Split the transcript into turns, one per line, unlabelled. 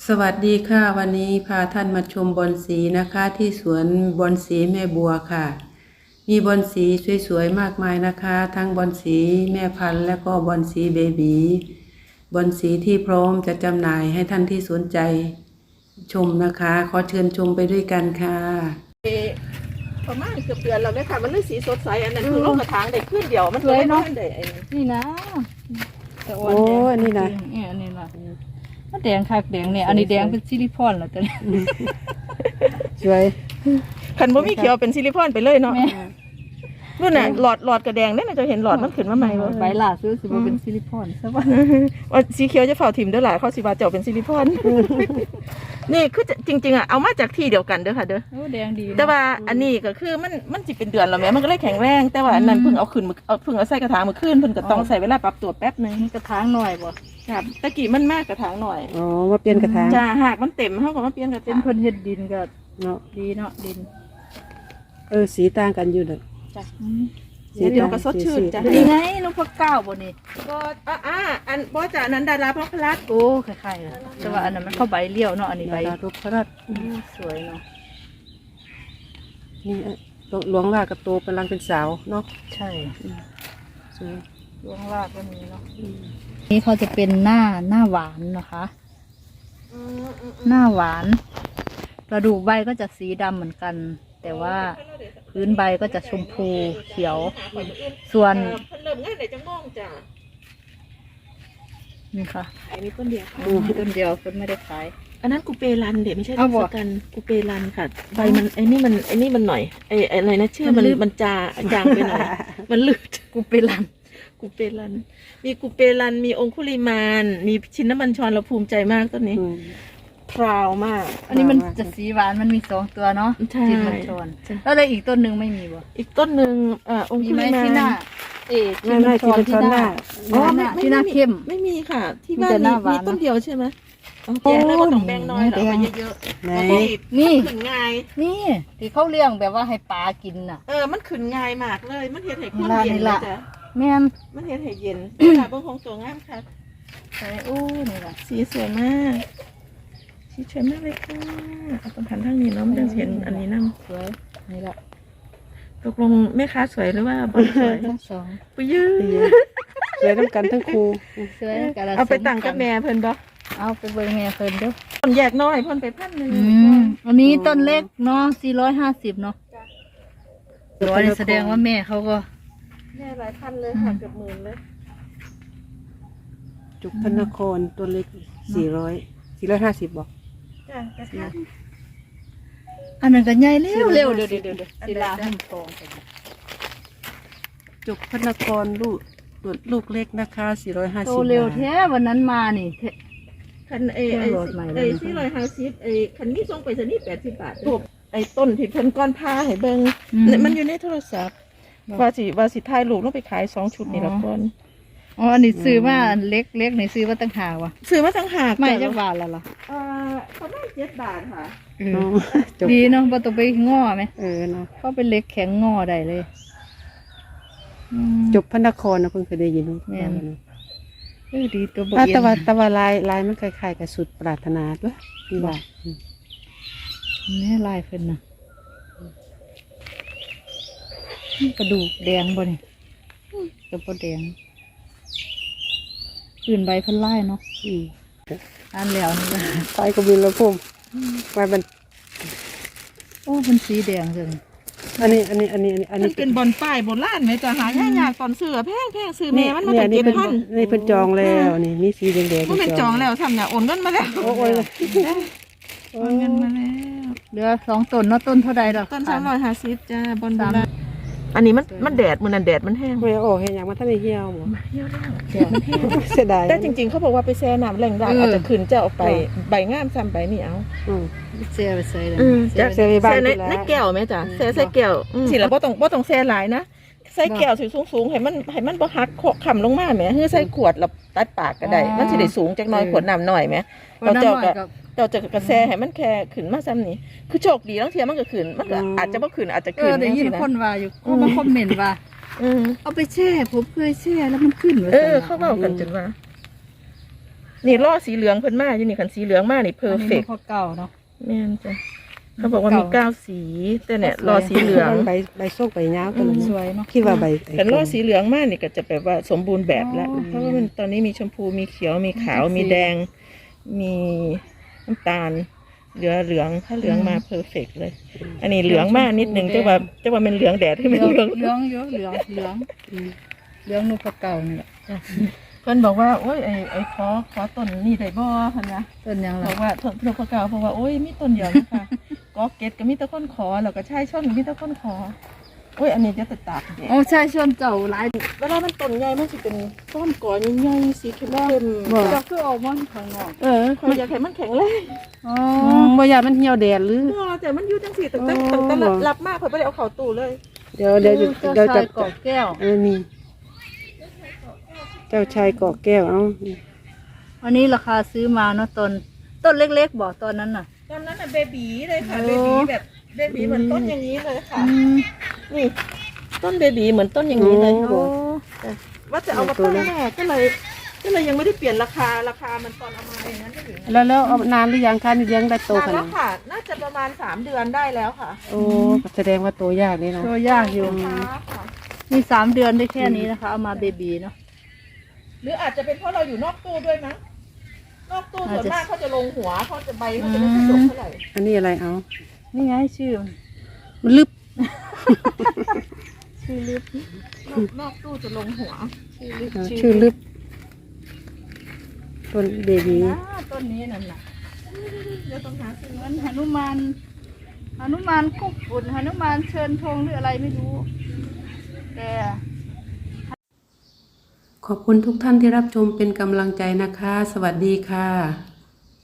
สวัสดีค่ะวันนี้พาท่านมาชมบอนสีนะคะที่สวนบอนสีแม่บัวค่ะมีบอนสีสวยๆมากมายนะคะทั้งบอนสีแม่พันธุ์และก็บอนสีเบบีบอนสีที่พร้อมจะจำหน่ายให้ท่านที่สนใจชมนะคะขอเชิญชมไปด้วยกันค่ะ
ประมาณเกือบเดือนแล้วเนี่ยค่ะมันเลยสีสดใสอันนั้นคือโลกกระถางเด็กขึ้นเดียวมันเลยเนาะ
นี่นะแต่อ่อน
โอ้
แดง
อันนี้นะ
เนี่ยอันนี้นะมันแดงคักแดงเนี่ยอันนี้แดงเป็นซิลิคอนเหรอตัวนี้
สวย
คันบ่มีเขียวเป็นซิลิคอนไปเลยเนาะ
แม่
นู่นน่ะหลอดกระแดงเนี่ยจะเห็นหลอดมันขึ้นมาใหม่บ่
ใบหลาซื้อสิบ่เป็นซิลิคอนใช่ป่ะ
ว่าสีเขียวจะเฝ้าถิ่มเด้อหล่ะเขาสิว่าเจ้าเป็นซิลิคอนนี่คือจริงๆอ่ะเอามาจากที่เดียวกันเด้อค่ะเด้อ
โอ้แดงดีนะ
แต่ว่าอันนี้ก็คือมันสิเป็นเดือนแล้วแม่มันก็เลยแข็งแรงแต่ว่าอันนั้นเพิ่งเอาขึ้นเพิ่งเอาใส่กระถางมาขึ้นเพิ่นก็ต้องใส่เวลาปรับตัวแป๊บนึง
กระถางหน่อยบ่
ครับตะกี้มันมากกระถางหน่อย
อ๋อมาเปลี่ยนกระถาง
จ้าหากมันเต็มเฮาก็มาเปลี่ยนกระ
เป็น
ถาง
เพิ่นเฮ็ดดินก็
เนาะ
ดีเนาะดิน
สีต่างกันอยู่เลย
จ้ะ
สี
เดี๋ยวก็สดชื่นจ้ะ
นี่ไงนพเก้าบ่นี่
ก็อันบ่จ้ะอันนั้นดาราพระพลัด
โอ้คล้ายๆนะแต่ว่าอันนั้นมันเข้าใบเลี้ยวเนาะอันนี้ใบ
ดารุพระราช
สวยเนาะ
นี่หลวงลากระโตกำลังเป็นสาวเนาะ
ใช่
สวย
ดวงรากก็มีเนาะนี่เขาจะเป็นหน้าหวานนะคะ หน้าหวานกระดูกใบก็จะสีดำเหมือนกัน แต่ว่าพื้นใบก็จะชมพูเขียว ส่วน
เพิ่นเริ่มงานได้จังม่องจ้ะ
นี่ค่ะ
ขายมีต้นเดียวค่ะ
ต้นเดียวเพิ่นไม่ได้ขาย
อันนั้นกูเปรันเดี๋ยวไม่ใช่
เอาบ่
ทศกัณฐ์กูเปรันค่ะใบมันไอ้นี่มันหน่อยไอ้อะไรนะชื่อมัน
มันลืด
มันจางไปหน่อย มันลืด
กูเป็นลัน
กูเปรันมีกูเปรันมีองคุลิมานมีชินน้ำมันชรเราภูมิใจมากต้นนี้
อืม
พราวมาก
อันนี้มันจะสีหวานมันมีสองตัวเนาะ
ใช่
จินมันชนแล้วเลยอีกต้นหนึ่งไม่มีบ่
อีกต้นหนึ่งอง
มี
คุ
ไหม
ลิมาน
ที่หน้าจิ
ไม่
น
ไม่ที่เป็นช้อนหน้า
อ๋อที่หน้าเข้ม
ไม่มีค่ะ ที่
มี
บ้าน
แต่หน้าหวาน
มีต้นเดียวใช่ไหมเอาแกะแล้วก็ต้องแบ่งน้อยเหรอเอาไปเยอะ
ไหน
ๆแล้วก็
นี่
ขึ้นง่าย
นี่ที่เขาเลี้ยงแบบว่าให้ปลากินน่ะ
มันขึ้นง่ายมากเลย มันเฮ็ดให้คน
นี่
เย็น
ล่ะ
เลยจ้ะ
แม่น
มันเฮ็ดให้เย็นค่ะเบิ่งของตัวงามค่ะ
ใช่โอ้นี่ล่ะ
สีสวยมากสีสวยมากเลยค่ะเอาตรงหันทางนี้เนาะมันจะเห็นอันนี้นำ
สวยนี่ล่ะ
ตกลงแม่ค้าสวยหรือว่าบอลสวย
ทั้งสอง
ปุ้ยยื้อ
สวยน้ำกันทั้งครู
สวยกันละ
เอาไปตั้งกับแม่เพิ่นบ่
เอาไปเบิ่งแม่เพิ่นเด้อ
เพิ่นแยกน้อยเพิ่นไป1,000
อันนี้ต้นเล็กเนาะ450เนาะร้อยนี่แสดงว่าแม่เขาก็
แม่หลายพันเลยค่ะเกือบหมื่นเลย
จุกพระนครตัวเล็ก450บอก
จ้ะกระถาง
อันนั้นก็ใหญ่เร็วเร็วเดี๋ยวศิลาหินทอง
จุกพระนครลูกเล็กนะคะ450
โตเร็วแท้วันนั้นมานี่
คัน
โหลดใหม่แล้วนะ
450คันนี้ส่งไปซะนี่80 บาทถูกไอ้ต้นที่เพิ่นก้อนผ้าให้เบิ่งมันอยู่ในโทรศัพท์ว่าสิถ่ายรูปลงไปขาย2ชุดนี่ละก่อน
อ๋ออันนี้ซื้อมาอันเล็กเล็กนี่ซื้อมาตั้งหากว่ะ
ซื้อมาตั้งหาก
ไม่
จ้ะ
จักบาทละล่ะ
ประมาณ7 บาทค่ะ
อ๋อจุก
ดีเนาะบ่ต้องไปง้อไหม
เนาะ
เขาเป็นเล็กแข็งง้อได้เลย
จุกพระนครนะเพิ่งเคยได้ยิน
แม่น ดีตัวบ่
อ่ะ
เอีย
แต่ว่าลายมันคล้ายๆกับสุดปรารถนาด้วยนี่ว่า
แม่ลายเพิ่นน่ะกระดูกแดงบ่นี่กระบ่แดงอื่นใบเพิ่นลายเนาะ
อืม
อันแล้วนี่ล่ะ
ไปกบินแล้วพุ่มไว้มัน
โอ้เป็นสีแดงจัง
อันนี้
มันเป็นบอนป้ายโบราณไหมจ้ะหายากๆตอนซื้อแพงซื้อแม่มันมา
เนี่ย
จาก
นี่เป็น
7,000
นี่เป็นจองแล้วนี่มีสีแดงๆ
มันเป็นจองแล้วทำเนี่ยโอนเงินมาแล้ว
โอ้ย
โอนเงินมาแล้ว
เหลือ2ต้นเนาะต้นเท่าใดดอก
ต้น350จ้าบอนโบราณอันนี้มันแดดมื้อนั้นแดดมันแห้ง
ไม่โอ้เห็นอย่างมันท่านได้เหี่ยวหมด
เหี่ยวแล้วแดดมันแห้ง
เสียดาย
แต่จริงๆเขาบอกว่าไปแช่น้ำแรงได้อาจจะขึ้นจะเอาไปใบงามซ้ำใบนี่เอา
อืม
เสียไปใส่เลย
จากเสียไปบ้าน
แช่ใน
ที่แล้ว
ในแก้วไหมจ้ะแช่ใส่แก้วสิแล้วบ่ต้องแช่หลายนะใส่แก้วสูงๆให้มันบ่หักขำลงมาแหมคือใส่ขวดแล้วตัดปากก็ได้มันสิได้สูงจักหน่อยขวดน้ำหน่อยแหมเราเจ้าก็เราจะกระแสให้มันแค่ขึ้นมาซ้ำนี่คือโชคดีทั้งเทียมันก็ขึ้นมันก็อาจจะบ่ขึ้นอาจจะ
เอ
ขึ้น
อได้ยิน
จัง
ค
ซี้
นว่าอยู่เขามาคอมเมนต์ว่า
อืม
เอาไปแช่ผมเคยแช่แล้วมันขึ้นว่าซั่นน่ะ
เขาเว้ากันจนว่านี่ล่อสีเหลืองเพิ่นมาอยู่นี่คันสีเหลืองมานี่เพอ
อัน
ร์
นี้
เฟ
น
ก
กเก่าเนาะ
แม่นจ้ะเขาบอกว่ามี9สีแต่เนี่ยล่อสีเหลือง
ใบส้มใบยาวตัวนั้น
สวยเนาะ
คิดว่าใบ
แต่ล่อสีเหลืองมากนี่ก็จะแบบว่าสมบูรณ์แบบแล้ว
อ๋อ
เพราะว่ามันตอนนี้มีชมพูมีเขียวมีขาว
มีสี
มีแดง มีน้ำตาลเหลืองถ้าเหลืองมาเพอร์เฟกเลย อันนี้เหลืองมากนิดนึงจะว่าเป็นเหลืองแดดที่
เห
เป็น
ลือง
เหลือง
เหลืองเยอะเหลืองเหลืองนกเก่านี่แหละ
เพิ่นบอกว่าโอ้ยไอ้ขอต้นนี่ได้บ่เพิ่นนะ
ต้นยัง
บ
ล่ะ
อกว่าต้นนกเก่าเพราะว่าโอ้ยมีต้นเดียวนะคะก็เก็ตก็มีแต่คนขอแล้วก็ชายชนก็มีแต่คนขอโอ้ยอันนี้จะติดตากแดด
โอ้ใช่ชวนเจ้าหลาย
เวลามันต้นใหญ่มันสิเป็นต้นก่อใหญ่ๆสีเข้มๆ
เจ้าคือออกมาข้างนอก
เขาอยากให้มันแข็งแรง
อ๋อ
บ่อยากมันเหี่ยวแดดหรือ
แต่มันอยู่จังสี่ตั้งแต่
อ๋อ
รับมากเขาไม่ได้เอาเข้าตู้เลย
เดี๋ยวเดี๋ยว
เจ้า
เดี๋ยว
ชา
จะ
ยเกาะแก้ว
นี่เจ้าชายเกาะแก้วเอา
อันนี้ราคาซื้อมาเนาะต้นเล็กๆบอกตอนนั้นน่ะ
ตอนนั้นน่ะเบบีเลยค่ะ
โอ้
เบบีแบบเบบีเหมือนต้นอย่างนี้เลยค่ะ
อืม
นี่ต้นเบบีเหมือนต้นอย่างนี้เลย
โอ้
ว่าจะเอามาตั้งแม่ก็เลยยังไม่ได้เปลี่ยนราคามันตอนเอามาอย่างนั้นก็อยู่นะ
แล้วเอานานหรือยังคะนี่เลี้ยงได้โต
นาน
ข
แล้
นาด
วค่ะ น่าจะประมาณ3 เดือนได้แล้วค่ะ
โอ้แสดงว่าโตยากนี่นะ
ตัวยากอยู่
ค่ะค่ะ
มี3 เดือนได้แค่นี้นะคะ เอามาเบบีเนาะ
หรืออาจจะเป็นเพราะเราอยู่นอกตู้ด้วยมั้งนอกตู้ส่วนมากเขาจะลงหัวเขาจะใบเขาจะไม่ค่อยดกเท่าไหร่
อันนี้อะไรเอา
นี่ไงชื่อมัน
มันลึบ
ชื่อลิฟ
นอกตู้จะลงหัว
ชื่อลึบต้นเบบี
ต้นนี้นั่นน่ะ
เดี๋ยวต้องหาซื้อ
เหมือนหนุมานคุกฝุ่นหนุมานเชิญธงหรืออะไรไม่รู้แต่
ขอบคุณทุกท่านที่รับชมเป็นกำลังใจนะคะ สวัสดีค่ะ